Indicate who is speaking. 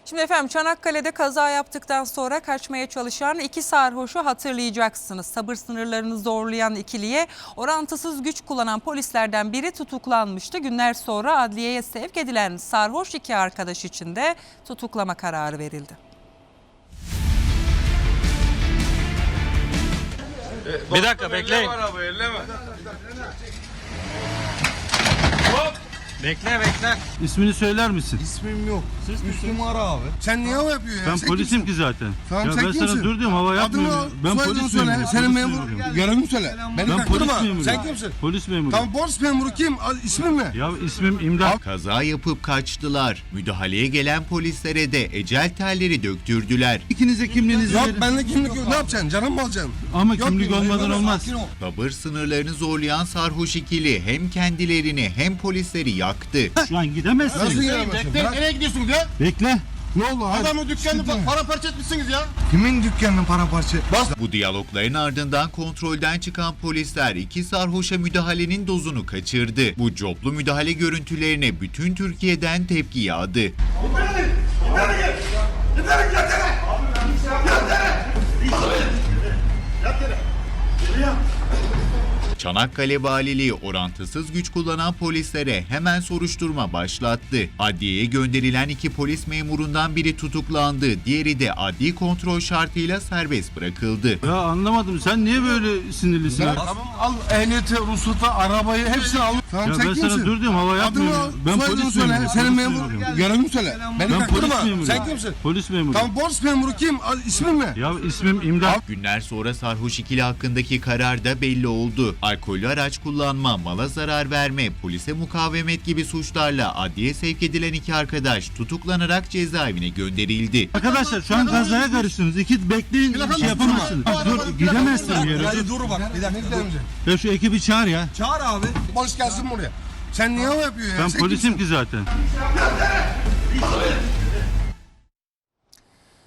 Speaker 1: Şimdi efendim Çanakkale'de kaza yaptıktan sonra kaçmaya çalışan iki sarhoşu hatırlayacaksınız. Sabır sınırlarını zorlayan ikiliye orantısız güç kullanan polislerden biri tutuklanmıştı. Günler sonra adliyeye sevk edilen sarhoş iki arkadaş için de tutuklama kararı verildi.
Speaker 2: Bir dakika bekleyin. Bekle.
Speaker 3: İsmini söyler misin?
Speaker 4: İsmim yok. Müslüm ara abi. Sen niye hava yapıyorsun ya?
Speaker 3: Ben
Speaker 4: Sen
Speaker 3: polisim
Speaker 4: kimsin?
Speaker 3: ki zaten.
Speaker 4: Tamam,
Speaker 3: Ya
Speaker 4: sen
Speaker 3: ben
Speaker 4: kimsin?
Speaker 3: sana dur diyorum, hava yapmıyorum. Ben polis
Speaker 4: söyle.
Speaker 3: memuruyum.
Speaker 4: Senin
Speaker 3: Polis
Speaker 4: memur.
Speaker 3: memuruyum.
Speaker 4: Görevini söyle. Beni
Speaker 3: Ben polis
Speaker 4: taktırma.
Speaker 3: memuruyum.
Speaker 4: Sen kimsin?
Speaker 3: Polis memuruyum.
Speaker 4: Tamam, polis memuru kim? İsmin ne?
Speaker 3: Ya ismim İmdat.
Speaker 5: Kaza yapıp kaçtılar. Müdahaleye gelen polislere de ecel telleri döktürdüler.
Speaker 3: İkinize kimliğinizi
Speaker 4: Yok,
Speaker 3: verin.
Speaker 4: bende kimlik yok. Ne yapacaksın? Canım mı alacaksın?
Speaker 3: Ama
Speaker 4: Yok,
Speaker 3: kimlik
Speaker 4: yok,
Speaker 3: olmadan
Speaker 4: yok,
Speaker 3: olmaz.
Speaker 4: sakin ol.
Speaker 5: Sabır sınırlarını zorlayan sarhoş ikili hem kendilerini hem polisleri yaktı.
Speaker 3: Şu an gidemezsin.
Speaker 4: Nasıl giremezsin?
Speaker 6: Bekleyin,
Speaker 4: Bırak.
Speaker 6: nereye gidiyorsunuz ya?
Speaker 3: Bekle.
Speaker 4: Ne oldu? Hadi.
Speaker 6: Adamın dükkanını
Speaker 4: Sıkıntı.
Speaker 6: paramparça etmişsiniz ya.
Speaker 4: Kimin dükkanının paramparça? Bas.
Speaker 5: Bu diyalogların ardından kontrolden çıkan polisler iki sarhoşa müdahalenin dozunu kaçırdı. Bu coplu müdahale görüntülerine bütün Türkiye'den tepki yağdı. Çanakkale Valiliği orantısız güç kullanan polislere hemen soruşturma başlattı. Adliyeye gönderilen iki polis memurundan biri tutuklandı, diğeri de adli kontrol şartıyla serbest bırakıldı.
Speaker 3: Ya anlamadım, sen niye böyle sinirlisin? Ya
Speaker 4: Al ehliyeti, ruhsatı, arabayı hepsini al. Tamam, sen
Speaker 3: ben
Speaker 4: kimsin?
Speaker 3: sana dur diyorum, hava
Speaker 4: Adını al,
Speaker 3: yapmıyorum. Ben
Speaker 4: soyadını
Speaker 3: polis
Speaker 4: söyle.
Speaker 3: memuruyum.
Speaker 4: Senin
Speaker 3: Polis
Speaker 4: memur.
Speaker 3: memuruyum.
Speaker 4: Görevini söyle. Beni
Speaker 3: Ben polis
Speaker 4: taktırma.
Speaker 3: memuruyum.
Speaker 4: Sen kimsin?
Speaker 3: Polis memuruyum.
Speaker 4: Tamam, polis memuru kim? İsmin ne?
Speaker 3: Ya ismim İmdat.
Speaker 5: Günler sonra sarhoş ikili hakkındaki karar da belli oldu. Alkollü araç kullanma, mala zarar verme, polise mukavemet gibi suçlarla adliye sevk edilen iki arkadaş tutuklanarak cezaevine gönderildi.
Speaker 3: Arkadaşlar şu an kazaya karıştınız. İki bekleyin, bir şey yapamazsınız. Dur, gidemezsin bir yere.
Speaker 4: Hadi dur bak. Bir dakika.
Speaker 3: Ya şu ekibi çağır ya.
Speaker 4: Çağır abi. Polis gelsin buraya. Sen niye hava yapıyorsun ya?
Speaker 3: Ben
Speaker 4: Sen
Speaker 3: polisim
Speaker 4: kimsin?
Speaker 3: ki zaten.